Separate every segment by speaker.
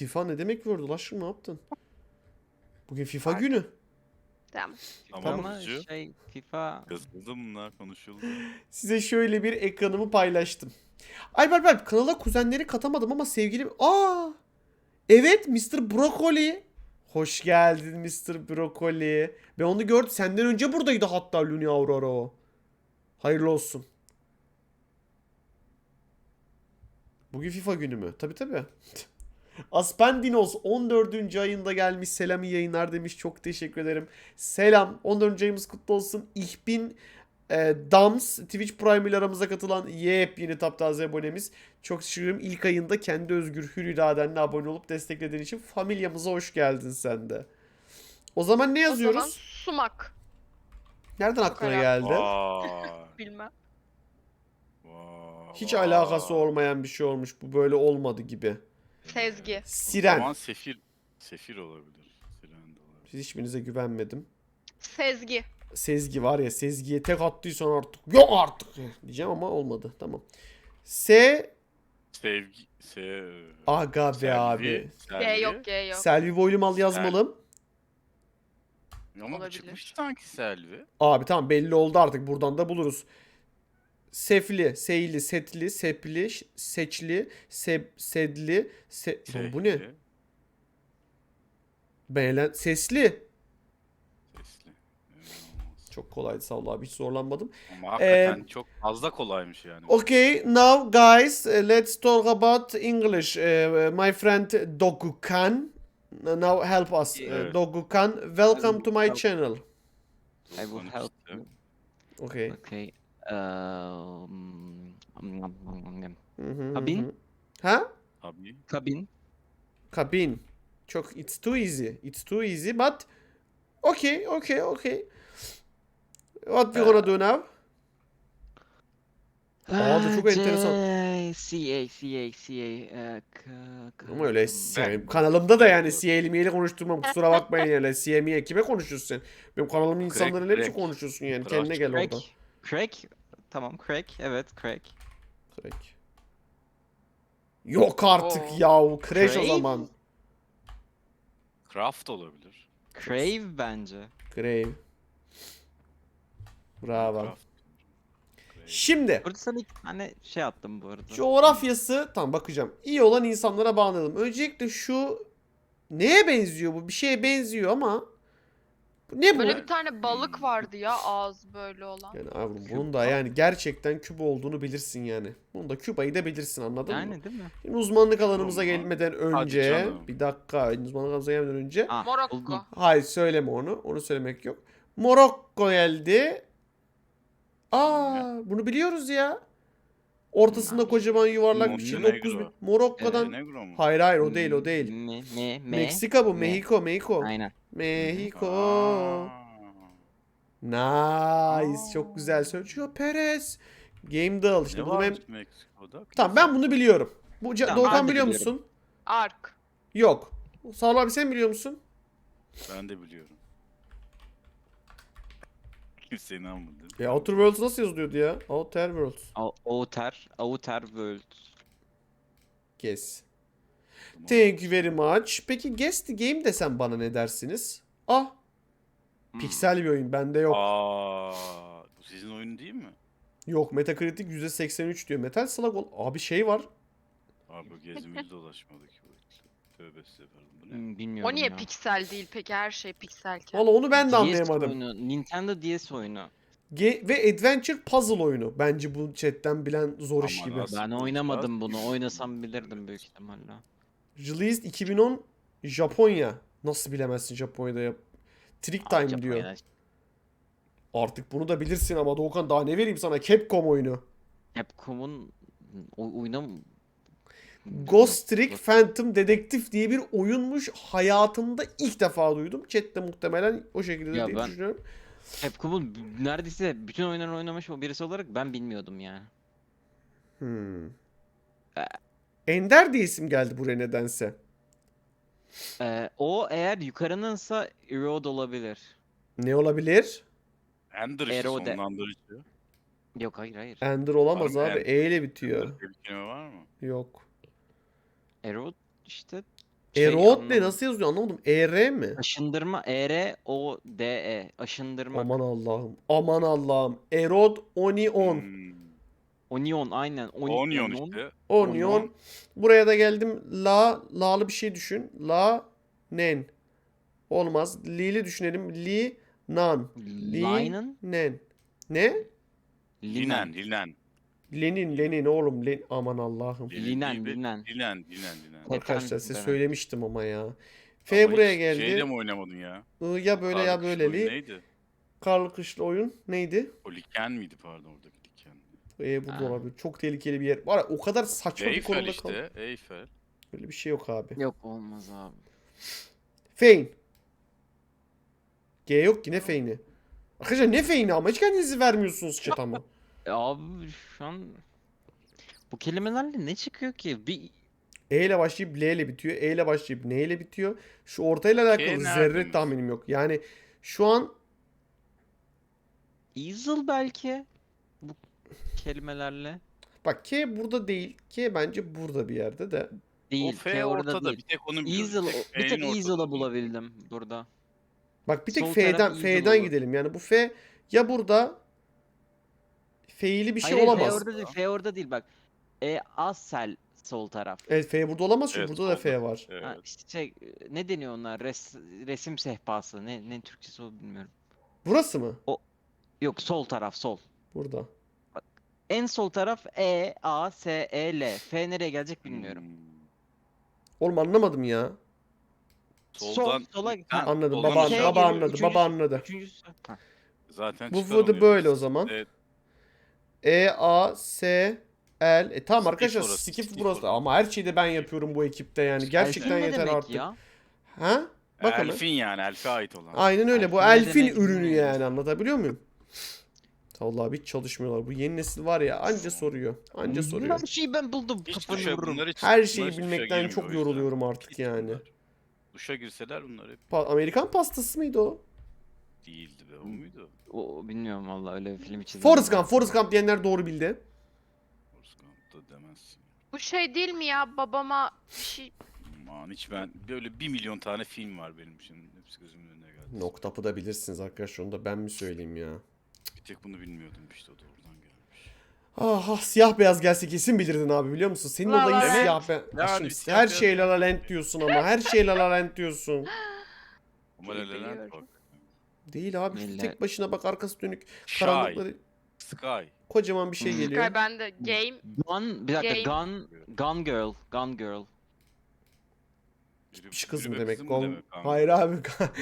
Speaker 1: FIFA ne demek World Ulaşır ne yaptın? Bugün FIFA
Speaker 2: Pardon.
Speaker 1: günü.
Speaker 2: Tamam.
Speaker 1: Tamam.
Speaker 3: Ama FIFA
Speaker 4: Yazıldı mı lan, konuşuldu.
Speaker 1: Size şöyle bir ekranımı paylaştım. Alp kanala kuzenleri katamadım ama sevgilim... Evet Mr. Broccoli. Hoş geldin Mr. Broccoli. Ben onu gördüm. Senden önce buradaydı hatta Luni Aurora o. Hayırlı olsun. Bugün FIFA günü mü? Tabii. Aspendinos 14. ayında gelmiş. Selam iyi yayınlar demiş. Çok teşekkür ederim. Selam. 14. ayımız kutlu olsun. İhbin Dams Twitch Prime ile aramıza katılan yepyeni taptaze abonemiz. Çok teşekkür ederim. İlk ayında kendi özgür hür iradenle abone olup desteklediğin için familyamıza hoş geldin sen de. O zaman ne
Speaker 2: O zaman
Speaker 1: yazıyoruz?
Speaker 2: sumak.
Speaker 1: Nereden aklına
Speaker 2: Fukara.
Speaker 1: geldi?
Speaker 4: Vay.
Speaker 2: Bilmem.
Speaker 4: Vay.
Speaker 1: Hiç alakası olmayan bir şey olmuş. Bu böyle olmadı gibi.
Speaker 2: Sezgi.
Speaker 4: O
Speaker 1: Siren.
Speaker 4: zaman Sefir olabilir. Siren de olabilir.
Speaker 1: Siz hiçbirinize güvenmedim.
Speaker 2: Sezgi.
Speaker 1: Sezgi var ya, Sezgi'ye tek attıysan artık yok artık diyeceğim ama olmadı. Tamam. S
Speaker 4: Sevgi.
Speaker 1: Aga be
Speaker 4: Selvi,
Speaker 1: abi.
Speaker 2: G yok G yok.
Speaker 1: Selvi boylu mal yazmalım.
Speaker 4: Ama bu
Speaker 2: Olabilir.
Speaker 4: çıkmış sanki Selvi.
Speaker 1: Abi tamam belli oldu artık, buradan da buluruz. Sefli, seyli, setli, sepli, seçli, sedli, Lan bu ne?
Speaker 4: Sesli.
Speaker 1: Sesli.
Speaker 4: Sesli.
Speaker 1: Çok kolaydı sağ ol abi, hiç zorlanmadım.
Speaker 4: Ama hakikaten çok fazla kolaymış yani.
Speaker 1: Okay, now guys, let's talk about English. My friend Dogukan, now help us.
Speaker 4: Evet.
Speaker 1: Dogukan, welcome to my channel.
Speaker 3: I will help you.
Speaker 1: Okay.
Speaker 3: Okay.
Speaker 1: Hı hı,
Speaker 3: Kabin?
Speaker 1: hı. Ha?
Speaker 4: Tabii.
Speaker 3: Kabin.
Speaker 1: Kabin. Çok, it's too easy. It's too easy, but okay. What we gonna do now? Aa, da çok enteresan. Ama öyle yani kanalımda da yani CL'miyle konuşturmam, kusura bakmayın yani. CL'miye kime konuşuyorsun sen? Benim kanalımın insanlarıyla ne biçim
Speaker 4: crack.
Speaker 1: konuşuyorsun yani?
Speaker 4: Crack.
Speaker 1: Kendine gel
Speaker 3: Crack.
Speaker 1: orada.
Speaker 3: Crack. Tamam crack. Evet crack.
Speaker 1: Crack. Yok artık
Speaker 2: Oo.
Speaker 1: yahu. Crash o
Speaker 3: Crave?
Speaker 1: zaman.
Speaker 4: Craft olabilir.
Speaker 3: Crave bence.
Speaker 1: Grave. Bravo.
Speaker 4: Craft.
Speaker 1: Şimdi
Speaker 3: Burada sana iki tane şey attım bu arada.
Speaker 1: coğrafyası tam bakacağım. İyi olan insanlara bağlayalım. Öncelikle şu neye benziyor bu? Bir şeye benziyor ama bu ne bu?
Speaker 2: Böyle bir tane balık vardı ya, ağız böyle olan.
Speaker 1: Yani abi bunun da yani gerçekten Küba olduğunu bilirsin yani. Bunu da Küba'yı da bilirsin, anladın mı?
Speaker 3: Yani değil mi?
Speaker 1: Şimdi uzmanlık alanımıza
Speaker 4: Olmaz.
Speaker 1: gelmeden
Speaker 4: Hadi
Speaker 1: önce
Speaker 4: canım.
Speaker 1: bir dakika, uzmanlık alanımıza gelmeden önce
Speaker 3: Ah,
Speaker 2: Morokko.
Speaker 3: buldum.
Speaker 1: hayır söyleme onu. Onu söylemek yok. Morokko geldi. Bunu biliyoruz ya. Ortasında kocaman yuvarlak bir şey.
Speaker 4: Montenegro.
Speaker 1: 9000. Morokko'dan.
Speaker 4: Montenegro mu?
Speaker 1: Hayır o değil o değil. Meksika bu.
Speaker 3: Me.
Speaker 1: Mexico.
Speaker 3: Aynen.
Speaker 1: Mexico.
Speaker 4: Aa.
Speaker 1: Nice. Çok güzel söylüyor. Perez. Game Dal. İşte
Speaker 4: Ne
Speaker 1: bunu ben...
Speaker 4: varmış Meksiko'da?
Speaker 1: Tamam ben bunu biliyorum. Bu
Speaker 3: Tamam,
Speaker 1: Doğukan
Speaker 3: ben de
Speaker 1: biliyor
Speaker 3: biliyorum.
Speaker 1: musun?
Speaker 2: Ark.
Speaker 1: Yok. Sağol abi sen biliyor musun?
Speaker 4: Ben de biliyorum. Kimse inanmadı.
Speaker 1: Outer Worlds nasıl yazılıyordu ya? Outer Worlds.
Speaker 3: Outer World.
Speaker 1: Guess. Thank you very much. Peki Guess the Game desem bana ne dersiniz? Piksel bir oyun. Bende yok.
Speaker 4: Bu sizin oyun değil mi?
Speaker 1: Yok. Metacritic %83 diyor. Metal Slug abi şey var.
Speaker 4: Abi gezimiz dolaşmadı ki. Tövbe estağfurullah. Bu ne?
Speaker 3: Bilmiyorum
Speaker 2: O niye
Speaker 3: ya.
Speaker 2: piksel değil peki, her şey pikselken?
Speaker 1: Valla onu ben de
Speaker 3: DS
Speaker 1: anlayamadım.
Speaker 3: oyunu, Nintendo DS oyunu.
Speaker 1: Ve Adventure Puzzle oyunu. Bence bu chatten bilen zor iş
Speaker 4: Aman
Speaker 1: gibi.
Speaker 4: Nasıl
Speaker 3: Ben
Speaker 4: bu
Speaker 3: oynamadım
Speaker 4: tarz?
Speaker 3: bunu. Oynasam bilirdim büyük ihtimalle.
Speaker 1: Released 2010 Japonya. Nasıl bilemezsin Japonya'da ya? Trick Time diyor.
Speaker 3: Japonya'da.
Speaker 1: Artık bunu da bilirsin ama Doğukan daha ne vereyim sana? Capcom oyunu.
Speaker 3: Capcom'un oyunu
Speaker 1: Ghost Trick Phantom Dedektif diye bir oyunmuş. Hayatımda ilk defa duydum. Chat'te muhtemelen o şekilde
Speaker 3: Ya
Speaker 1: diye
Speaker 3: ben-
Speaker 1: düşünüyorum.
Speaker 3: Capcom'un neredeyse bütün oyunları oynamış o birisi olarak ben bilmiyordum yani.
Speaker 1: Ender diye isim geldi buraya nedense.
Speaker 3: O eğer yukarınınsa Erode olabilir.
Speaker 1: Ne olabilir?
Speaker 4: Ender işte
Speaker 3: Erode.
Speaker 4: sonlandırıcı.
Speaker 3: Yok hayır.
Speaker 1: Ender olamaz
Speaker 4: Var mı
Speaker 1: abi.
Speaker 4: Ender?
Speaker 1: E ile bitiyor.
Speaker 4: Ender diye bir kelime var mı?
Speaker 1: Yok.
Speaker 3: Erode işte Şey
Speaker 1: Erod ne?
Speaker 3: anlamadım.
Speaker 1: Nasıl yazıyor anlamadım. ER mi?
Speaker 3: Aşındırma. ERODE. Aşındırmak.
Speaker 1: Aman Allah'ım. Aman Allah'ım. Erod Onion.
Speaker 3: Onion aynen.
Speaker 4: Onion işte.
Speaker 1: Onion. Buraya da geldim. La'lı bir şey düşün. Nen. Olmaz. Li'li düşünelim. Nan.
Speaker 3: Linen.
Speaker 1: Nen. Ne?
Speaker 4: Linen. Linen.
Speaker 1: Lenin oğlum. Aman Allah'ım.
Speaker 3: Linen.
Speaker 4: Linen.
Speaker 1: Arkadaşlar size
Speaker 3: Linen.
Speaker 1: söylemiştim ama ya. F
Speaker 4: Ama
Speaker 1: buraya
Speaker 4: hiç
Speaker 1: geldi.
Speaker 4: Şeyde mi oynamadın ya?
Speaker 1: Ya böyle ya
Speaker 4: Karlı kışlı oyun
Speaker 1: böyleli.
Speaker 4: Neydi?
Speaker 1: Karlı kışlı oyun. Neydi?
Speaker 4: O Liken miydi pardon oradaki Liken?
Speaker 1: Burada
Speaker 3: Ha.
Speaker 1: olabilir. Çok tehlikeli bir yer. Var ya, o kadar saçma bir
Speaker 4: Eyfel
Speaker 1: konumda kaldım.
Speaker 4: işte. Eyfel.
Speaker 1: Öyle bir şey yok abi.
Speaker 3: Yok olmaz abi.
Speaker 1: Fein. G yok ki ne Fein'i. Arkadaşlar ne Fein'i ama hiç kendinizi vermiyorsunuz chat ama.
Speaker 3: Abi şu an bu kelimelerle ne çıkıyor ki? Bir
Speaker 1: E ile başlayıp L ile bitiyor. E ile başlayıp N ile bitiyor. Şu ortayla alakalı
Speaker 4: nerede
Speaker 1: zerre
Speaker 4: mesela?
Speaker 1: tahminim yok. Yani şu an
Speaker 3: easel belki bu kelimelerle.
Speaker 1: bak K burada değil. K bence burada bir yerde de.
Speaker 3: Değil.
Speaker 4: O F
Speaker 3: F orada
Speaker 4: ortada.
Speaker 3: değil.
Speaker 4: Bir tek onu biliyorum.
Speaker 3: Easel, bir tek
Speaker 4: F'nin
Speaker 3: easel'ı
Speaker 4: ortada.
Speaker 3: bulabildim burada.
Speaker 1: Bak bir tek
Speaker 3: Sol
Speaker 1: F'den
Speaker 3: taraf
Speaker 1: F'den
Speaker 3: easel olur.
Speaker 1: gidelim. Yani bu F ya burada F'ili bir şey
Speaker 3: Hayır,
Speaker 1: olamaz.
Speaker 3: F orada değil. F orada değil bak. Asel sol taraf.
Speaker 1: Evet F burada olamaz çünkü
Speaker 4: Evet,
Speaker 1: burada da
Speaker 4: solda.
Speaker 1: F var.
Speaker 4: Evet.
Speaker 3: Ha, işte şey, ne deniyor onlar? Resim sehpası. Ne Türkçesi o bilmiyorum.
Speaker 1: Burası mı?
Speaker 3: Yok sol taraf sol.
Speaker 1: Burada.
Speaker 3: En sol taraf Asel. F nereye gelecek bilmiyorum.
Speaker 1: Oğlum anlamadım ya.
Speaker 4: Soldan
Speaker 3: sola
Speaker 4: Ha,
Speaker 1: Anladım.
Speaker 4: soldan
Speaker 1: Baba,
Speaker 4: aşağı
Speaker 1: baba
Speaker 4: geliyor.
Speaker 1: anladı.
Speaker 3: Üçüncüsü-
Speaker 1: Baba anladı.
Speaker 3: Üçüncüsü. Ha.
Speaker 4: Zaten
Speaker 1: Bu
Speaker 4: çıkar
Speaker 1: fıdı
Speaker 4: oluyor.
Speaker 1: böyle o zaman.
Speaker 4: Evet.
Speaker 1: E-A-S-L. Tamam
Speaker 4: Skip
Speaker 1: arkadaşlar
Speaker 4: orası,
Speaker 1: skip
Speaker 4: skip
Speaker 1: burası.
Speaker 4: orası.
Speaker 1: Ama her şeyi de ben yapıyorum bu ekipte yani. Gerçekten
Speaker 3: Elfin ne
Speaker 1: yeter
Speaker 3: demek
Speaker 1: artık.
Speaker 3: ya?
Speaker 1: Ha? Bakalım.
Speaker 4: Elfin yani. Elfe ait olan.
Speaker 1: Aynen öyle. Bu
Speaker 3: Elfin ne
Speaker 1: elfin
Speaker 3: demek
Speaker 1: ürünü
Speaker 3: bilmiyorum.
Speaker 1: yani. Anlatabiliyor muyum? Vallahi hiç çalışmıyorlar. Bu yeni nesil var ya anca soruyor. Anca soruyor.
Speaker 3: Her şeyi ben buldum.
Speaker 4: Hiç
Speaker 3: Kafanı
Speaker 4: duşa,
Speaker 3: vururum.
Speaker 4: bunlar hiç,
Speaker 1: Her
Speaker 4: bunlar
Speaker 1: şeyi
Speaker 4: hiç duşa
Speaker 1: bilmekten
Speaker 4: girmiyor
Speaker 1: çok
Speaker 4: o yüzden.
Speaker 1: yoruluyorum artık
Speaker 4: Hiç
Speaker 1: yani.
Speaker 4: bunlar. Duşa girseler bunlar hep
Speaker 1: Amerikan pastası mıydı o?
Speaker 4: değildi be. O muydu?
Speaker 3: O bilmiyorum vallahi öyle bir film için.
Speaker 1: Forrest Gump diyenler doğru bildi.
Speaker 4: Forrest Gump'ta demezsin.
Speaker 2: Bu şey değil mi ya? Babama bir şey...
Speaker 4: Aman hiç ben böyle 1 milyon tane film var benim için. Hepsi gözümün önüne geldi.
Speaker 1: Noktapı da bilirsiniz arkadaşlar. Onu da ben mi söyleyeyim ya?
Speaker 4: Bir tek bunu bilmiyordum işte o da oradan gelmiş.
Speaker 1: Ah, siyah beyaz gelse kesin bilirdin abi biliyor musun? Senin
Speaker 2: La
Speaker 1: olayın
Speaker 2: La Land.
Speaker 1: siyah beyaz.
Speaker 4: Yani
Speaker 1: Aşkım,
Speaker 4: bir siyah
Speaker 1: her
Speaker 4: beyaz
Speaker 1: şey La La
Speaker 4: yani.
Speaker 1: Land diyorsun ama her şey La La Land diyorsun.
Speaker 4: Ama La La Land
Speaker 2: Biliyorum.
Speaker 4: bak.
Speaker 1: Değil abi
Speaker 3: Neler?
Speaker 1: tek başına bak arkası dönük.
Speaker 4: Shy,
Speaker 1: Karanlıkları
Speaker 4: Sky.
Speaker 1: kocaman bir şey
Speaker 3: Hmm.
Speaker 1: geliyor.
Speaker 2: Sky bende game.
Speaker 3: Bir dakika
Speaker 2: Game.
Speaker 3: Gun Girl. Gun Girl.
Speaker 1: Gitmiş kız mı
Speaker 4: Yürüme
Speaker 1: demek?
Speaker 4: kızı
Speaker 1: Gol...
Speaker 4: demek abi?
Speaker 1: Hayır abi.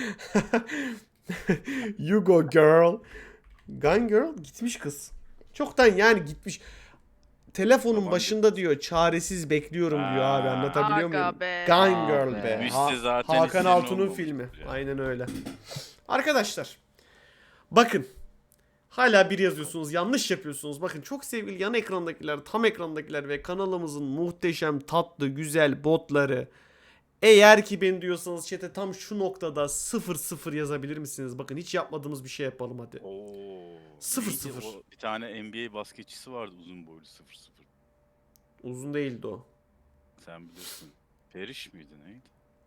Speaker 1: You go girl. Gun girl gitmiş kız. Çoktan yani gitmiş. Telefonun
Speaker 4: Baban
Speaker 1: başında diyor çaresiz bekliyorum diyor abi
Speaker 4: Aa.
Speaker 1: anlatabiliyor muyum?
Speaker 2: Aga be.
Speaker 1: Gun
Speaker 3: Aa
Speaker 1: Girl
Speaker 3: be.
Speaker 1: be.
Speaker 4: Müjde zaten
Speaker 1: Hakan
Speaker 4: izleyen
Speaker 1: Altun'un
Speaker 4: olmamıştır
Speaker 1: filmi.
Speaker 4: ya.
Speaker 1: Aynen öyle. Arkadaşlar. Bakın. Hala bir yazıyorsunuz. Yanlış yapıyorsunuz. Bakın çok sevgili yan ekrandakiler, tam ekrandakiler ve kanalımızın muhteşem, tatlı, güzel botları. Eğer ki ben diyorsanız chat'e tam şu noktada 00 yazabilir misiniz? Bakın hiç yapmadığımız bir şey yapalım hadi.
Speaker 4: Oo.
Speaker 1: 0-0.
Speaker 4: neydi o? Bir tane NBA basketçisi vardı uzun boylu 0-0.
Speaker 1: Uzun değildi o.
Speaker 4: Sen bilirsin. Periş miydi neydi?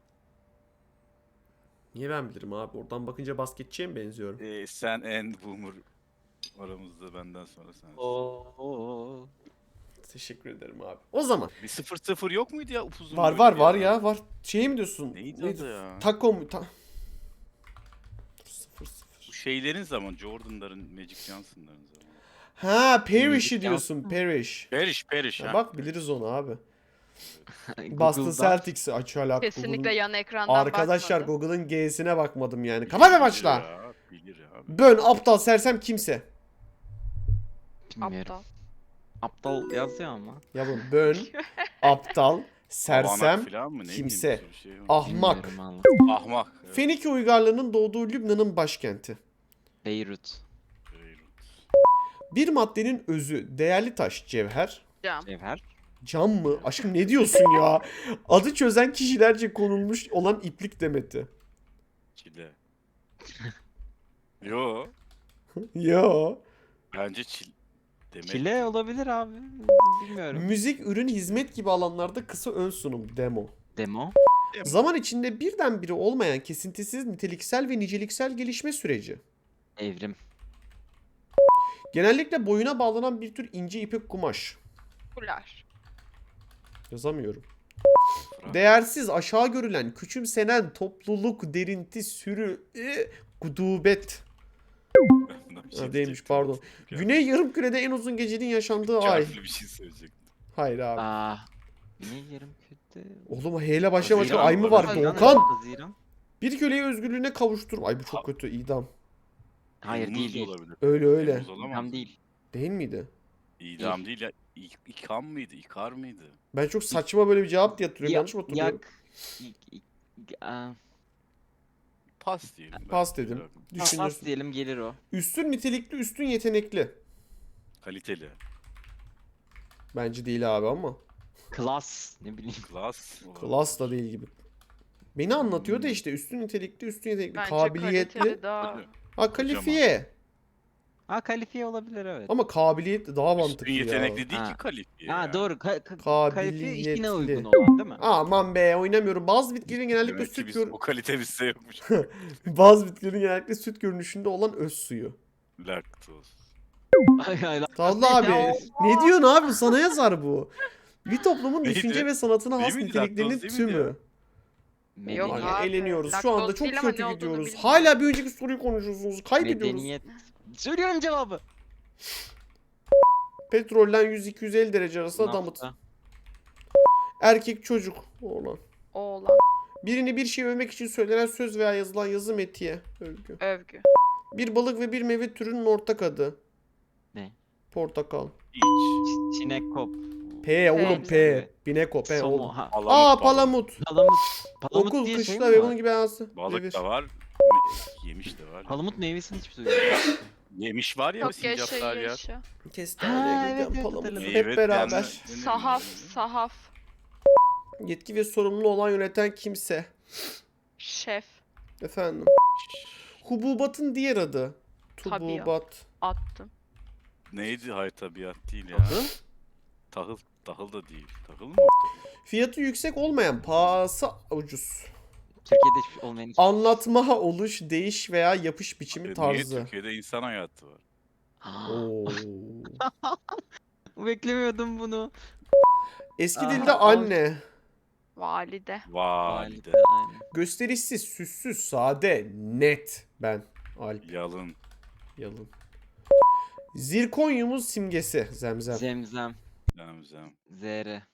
Speaker 1: Niye ben bilirim abi? Oradan bakınca basketçiye mi benziyorum?
Speaker 4: Sen en boomer aramızda benden sonra sen.
Speaker 3: Oo.
Speaker 1: Teşekkür ederim abi. O zaman.
Speaker 4: Bir 0-0 yok muydu ya upuzun
Speaker 1: Var
Speaker 4: boylu
Speaker 1: var
Speaker 4: bir
Speaker 1: var
Speaker 4: adam?
Speaker 1: ya var. Şey mi diyorsun?
Speaker 4: Neydi adı ya?
Speaker 1: Taco mu? Dur, 0-0.
Speaker 4: Bu şeylerin zaman Jordan'ların, Magic Johnson'ların zamanı.
Speaker 1: Ha Parrish'i
Speaker 3: Magic
Speaker 1: diyorsun. Parrish.
Speaker 4: Periş
Speaker 1: Ya
Speaker 4: ha.
Speaker 1: bak biliriz onu abi. Boston
Speaker 3: Google'dan.
Speaker 1: Celtics'i aç hala.
Speaker 2: Kesinlikle yan ekrandan
Speaker 1: Arkadaşlar
Speaker 2: bakmadım.
Speaker 1: Google'ın G'sine bakmadım yani. Kapat ve başla.
Speaker 4: Bilir ya.
Speaker 1: Bön aptal sersem kimse.
Speaker 3: Bilmiyorum.
Speaker 2: Aptal.
Speaker 3: Aptal yazıyor ama.
Speaker 1: Yavrum bön aptal sersem
Speaker 4: Avanak falan mı? Ne bileyim,
Speaker 1: kimse.
Speaker 4: bir sürü şey var.
Speaker 1: ahmak.
Speaker 3: Bilmiyorum valla.
Speaker 4: Ahmak. Evet.
Speaker 1: Fenike uygarlığının doğduğu Lübnan'ın başkenti.
Speaker 3: Beyrut.
Speaker 4: Beyrut.
Speaker 1: Bir maddenin özü değerli taş cevher.
Speaker 2: Cam.
Speaker 3: Cevher.
Speaker 1: Cam mı? Aşkım ne diyorsun ya? Adı çözen kişilerce konulmuş olan iplik demeti.
Speaker 4: Çile. Yo.
Speaker 1: Yo.
Speaker 4: Bence demek.
Speaker 3: Çile olabilir abi. Bilmiyorum.
Speaker 1: Müzik, ürün, hizmet gibi alanlarda kısa ön sunum demo.
Speaker 3: Demo.
Speaker 1: Zaman içinde birdenbire olmayan kesintisiz niteliksel ve niceliksel gelişme süreci.
Speaker 3: Evrim.
Speaker 1: Genellikle boyuna bağlanan bir tür ince ipek kumaş.
Speaker 2: Kular.
Speaker 1: Yazamıyorum.
Speaker 4: Fra-
Speaker 1: Değersiz, aşağı görülen, küçümsenen, topluluk, derinti, sürü, gudubet.
Speaker 4: Bundan bir
Speaker 1: Ha, değilmiş,
Speaker 4: diyecektim.
Speaker 1: pardon.
Speaker 4: Ya,
Speaker 1: Güney yarımkürede en uzun gecenin yaşandığı
Speaker 4: iki
Speaker 1: ay.
Speaker 4: harfli bir şey söyleyecektim.
Speaker 1: Hayır abi.
Speaker 3: Aa. Ne yarım kötü?
Speaker 1: Oğlum H ile başlayan başka
Speaker 4: Haziran
Speaker 1: ay mı
Speaker 4: var,
Speaker 1: var
Speaker 2: Haziran.
Speaker 1: Doğukan?
Speaker 3: Haziran.
Speaker 1: Bir köleyi özgürlüğüne kavuşturma. Ay bu çok kötü, idam.
Speaker 3: Hayır
Speaker 4: Temmuz
Speaker 3: değil
Speaker 4: da
Speaker 3: değil.
Speaker 4: olabilir.
Speaker 1: Öyle öyle.
Speaker 4: Temmuz olamaz
Speaker 3: Tam
Speaker 4: mı?
Speaker 3: değil.
Speaker 1: Değil miydi?
Speaker 4: İdam değil ya. İkam mıydı? İkar mıydı?
Speaker 1: Ben çok saçma böyle bir cevap diye hatırlıyorum. Yanlış mı hatırlıyorum?
Speaker 3: Aa,
Speaker 4: Pas diyelim. ben.
Speaker 1: Pas dedim.
Speaker 3: pas
Speaker 1: Düşünürsün.
Speaker 3: diyelim gelir o.
Speaker 1: Üstün nitelikli, üstün yetenekli.
Speaker 4: Kaliteli.
Speaker 1: Bence değil abi ama.
Speaker 3: Klas ne bileyim.
Speaker 4: Klas.
Speaker 1: Klas da değil gibi. Beni anlatıyor da işte üstün nitelikli, üstün yetenekli,
Speaker 2: Bence
Speaker 1: kabiliyetli.
Speaker 2: kaliteli daha.
Speaker 4: Hadi.
Speaker 1: Ha kalifiye.
Speaker 3: Ha kalifiye olabilir evet.
Speaker 1: Ama kabiliyet daha mantıklı
Speaker 4: Üstün
Speaker 1: ya.
Speaker 4: yetenekli değil
Speaker 3: Ha.
Speaker 4: ki kalifiye.
Speaker 3: Ha
Speaker 4: ya.
Speaker 3: doğru. Kalifiye
Speaker 1: Kabiliyetli.
Speaker 3: işine uygun olan değil mi?
Speaker 1: Aman be oynamıyorum. Bazı bitkilerin genellikle
Speaker 4: Demek ki
Speaker 1: süt
Speaker 4: biz,
Speaker 1: gör...
Speaker 4: o kalite bizde yokmuş.
Speaker 1: Bazı bitkilerin genellikle süt görünüşünde olan öz suyu.
Speaker 4: Laktoz.
Speaker 1: Talha abi
Speaker 3: Ya.
Speaker 1: ne diyorsun abi, sana yazar bu. Bir toplumun
Speaker 4: Neydi?
Speaker 1: düşünce ve sanatına has
Speaker 4: Değil miydi?
Speaker 1: niteliklerinin
Speaker 4: Laktoz değil miydi
Speaker 1: tümü.
Speaker 2: Yok
Speaker 1: Yani
Speaker 2: abi,
Speaker 1: eğleniyoruz. Şu
Speaker 2: laktoz
Speaker 1: anda çok
Speaker 2: değil ama
Speaker 1: kötü
Speaker 2: ne olduğunu
Speaker 1: gidiyoruz.
Speaker 2: bilmiyorum.
Speaker 1: Hala bir önceki soruyu konuşuyorsunuz. Kaybediyoruz.
Speaker 3: Medeniyet. Söylüyorum cevabı.
Speaker 1: Petrolden 100-250 derece arasında damıt.
Speaker 3: Nafta.
Speaker 1: Erkek çocuk oğlan.
Speaker 2: Oğlan.
Speaker 1: Birini bir şey övmek için söylenen söz veya yazılan yazı metiye. Övgü.
Speaker 2: Övgü.
Speaker 1: Bir balık ve bir meyve türünün ortak adı.
Speaker 3: Ne?
Speaker 1: Portakal.
Speaker 4: İç.
Speaker 3: Çinekop.
Speaker 1: P oğlum
Speaker 2: güzel.
Speaker 1: P. Bineko P
Speaker 3: Somo.
Speaker 1: oğlum.
Speaker 3: Ha.
Speaker 1: Aa palamut.
Speaker 3: Palamut. Palamut
Speaker 1: Okul,
Speaker 3: diye şey
Speaker 1: kışla
Speaker 3: mi
Speaker 1: ve
Speaker 3: var?
Speaker 1: bunun gibi anası.
Speaker 4: Balık
Speaker 1: Devir.
Speaker 4: da var. Yemiş de var.
Speaker 3: Palamut meyvesini hiç duymadım.
Speaker 4: Yemiş var ya
Speaker 2: Çok
Speaker 4: sincaplar ya.
Speaker 2: yaşa.
Speaker 1: Kestane,
Speaker 3: Ha,
Speaker 1: gülden,
Speaker 3: evet,
Speaker 1: palamut.
Speaker 3: hatırladım.
Speaker 1: Hep beraber.
Speaker 2: Sahaf. Sahaf.
Speaker 1: Yetki ve sorumlu olan yöneten kimse.
Speaker 2: Şef.
Speaker 1: Efendim. Hububatın diğer adı.
Speaker 2: Tabiat.
Speaker 1: Tububat.
Speaker 2: Attım.
Speaker 4: Neydi? Hayır tabiat değil ya.
Speaker 1: Adı?
Speaker 4: Tahıl. Tahıl da değil. Tahıl mı?
Speaker 1: Fiyatı yüksek olmayan, pahası ucuz.
Speaker 3: Türkiye'de hiç olmayan hiç.
Speaker 1: Anlatma, oluş, değiş veya yapış biçimi
Speaker 4: Niye
Speaker 1: tarzı.
Speaker 4: Türkiye'de insan hayatı var?
Speaker 1: Oo.
Speaker 3: Beklemiyordum bunu.
Speaker 1: Eski
Speaker 3: Aa,
Speaker 1: dilde
Speaker 3: o-
Speaker 1: anne.
Speaker 2: Valide.
Speaker 4: Valide.
Speaker 3: Aynen.
Speaker 1: Gösterişsiz, süssüz, sade, net. Ben. Alp.
Speaker 4: Yalın.
Speaker 1: Yalın. Zirkonyumuz simgesi. Zemzem.
Speaker 3: Zemzem.
Speaker 4: Zemzem.
Speaker 3: Zere.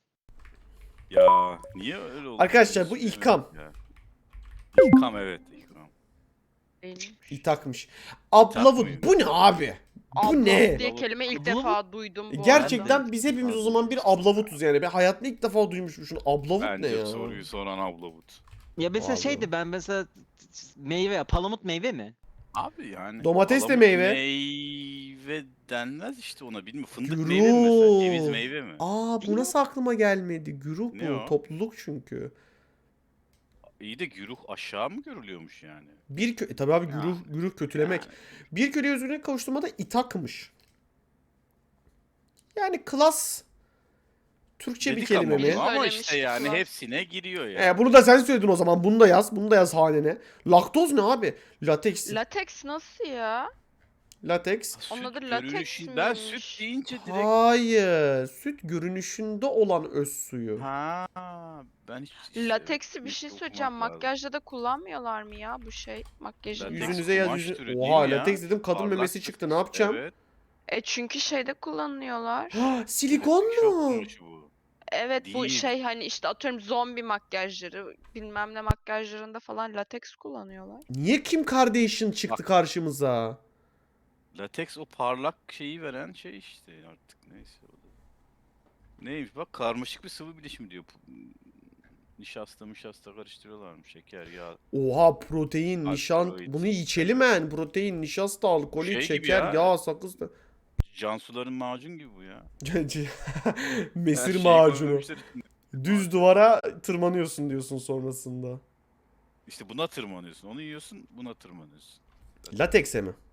Speaker 4: Ya niye öyle oldu?
Speaker 1: Arkadaşlar, bu İlkam.
Speaker 4: Ya. İlkam evet İlkam.
Speaker 2: Değilmiş.
Speaker 1: İtakmış. Ablavut.
Speaker 4: mıydı?
Speaker 1: Bu ne abi? Bu
Speaker 2: Abla
Speaker 1: ne?
Speaker 2: diye kelime ilk
Speaker 3: Bu-
Speaker 2: defa duydum bu arada.
Speaker 1: Gerçekten biz hepimiz o zaman bir ablavutuz yani. Ben hayatımda ilk defa duymuşum şunu. Ablavut ne
Speaker 4: Bence
Speaker 1: ya?
Speaker 4: soruyu soran ablavut.
Speaker 3: Ya mesela
Speaker 1: Vallahi.
Speaker 3: şeydi ben mesela meyve, palamut meyve mi?
Speaker 4: Abi yani.
Speaker 1: Domates de
Speaker 4: palamut
Speaker 1: meyve.
Speaker 4: Meyve denmez işte ona bilmiyorum. Fındık
Speaker 1: Güruh.
Speaker 4: meyve mi mesela? Ceviz meyve mi?
Speaker 1: Aa bu nasıl aklıma gelmedi? Güruh
Speaker 4: Ne
Speaker 1: bu.
Speaker 4: o?
Speaker 1: Topluluk çünkü.
Speaker 4: İyi de güruh aşağı mı görülüyormuş yani?
Speaker 1: Tabii abi
Speaker 4: Ya.
Speaker 1: güruh kötülemek.
Speaker 4: Yani.
Speaker 1: Bir köleye özgürlüğe kavuşturmada itakmış. Yani klas Türkçe bir
Speaker 4: Dedik
Speaker 1: kelime
Speaker 4: ama
Speaker 1: mi?
Speaker 4: bunu, ama
Speaker 2: Söylemiştik
Speaker 4: işte yani
Speaker 2: ulan.
Speaker 4: hepsine giriyor yani.
Speaker 1: Bunu da sen söyledin o zaman. Bunu da yaz. Bunu da yaz hanene. Laktoz ne abi? Lateks.
Speaker 2: Lateks nasıl ya?
Speaker 1: Lateks.
Speaker 2: Onun adı
Speaker 4: Süt
Speaker 2: lateks
Speaker 4: görünüşü- Ben
Speaker 2: miymiş?
Speaker 4: süt deyince direkt...
Speaker 1: Hayır. Süt görünüşünde olan öz suyu.
Speaker 4: Ha, ben hiç...
Speaker 2: Lateksi bir
Speaker 4: net
Speaker 2: şey
Speaker 4: okumak
Speaker 2: söyleyeceğim.
Speaker 4: lazım.
Speaker 2: Makyajda da kullanmıyorlar mı ya bu şey? Makyajın.
Speaker 4: Lateks
Speaker 1: Yüzünüze yaz
Speaker 4: kumaş
Speaker 1: yüzün.
Speaker 4: türü değil
Speaker 1: Oha
Speaker 4: mi ya?
Speaker 1: lateks dedim, kadın
Speaker 4: Parlak
Speaker 1: memesi
Speaker 4: bir-
Speaker 1: çıktı. Ne yapacağım?
Speaker 4: Evet.
Speaker 2: Çünkü şeyde kullanıyorlar.
Speaker 1: Silikon
Speaker 4: Şok
Speaker 1: mu?
Speaker 4: kumaşı bu.
Speaker 2: Evet bu
Speaker 4: Değil.
Speaker 2: şey hani işte atıyorum zombi makyajları bilmem ne makyajlarında falan lateks kullanıyorlar.
Speaker 1: Niye Kim Kardashian çıktı karşımıza?
Speaker 4: Lateks o parlak şeyi veren şey işte artık neyse o da. Neymiş bak karmaşık bir sıvı bileşimi diyor. Nişasta karıştırıyorlarmış şeker yağ.
Speaker 1: Oha protein, nişan.
Speaker 4: Alkaloid.
Speaker 1: Bunu içelim en. Protein, nişasta, alkolü,
Speaker 4: Şey gibi
Speaker 1: şeker,
Speaker 4: ya.
Speaker 1: yağ, sakız da.
Speaker 4: Cansuların macun gibi bu ya. Her
Speaker 1: Mesir
Speaker 4: şeyi
Speaker 1: macunu.
Speaker 4: koymamışlar içine.
Speaker 1: Düz duvara tırmanıyorsun diyorsun sonrasında.
Speaker 4: İşte buna tırmanıyorsun. Onu yiyorsun buna tırmanıyorsun.
Speaker 1: Latekse mi?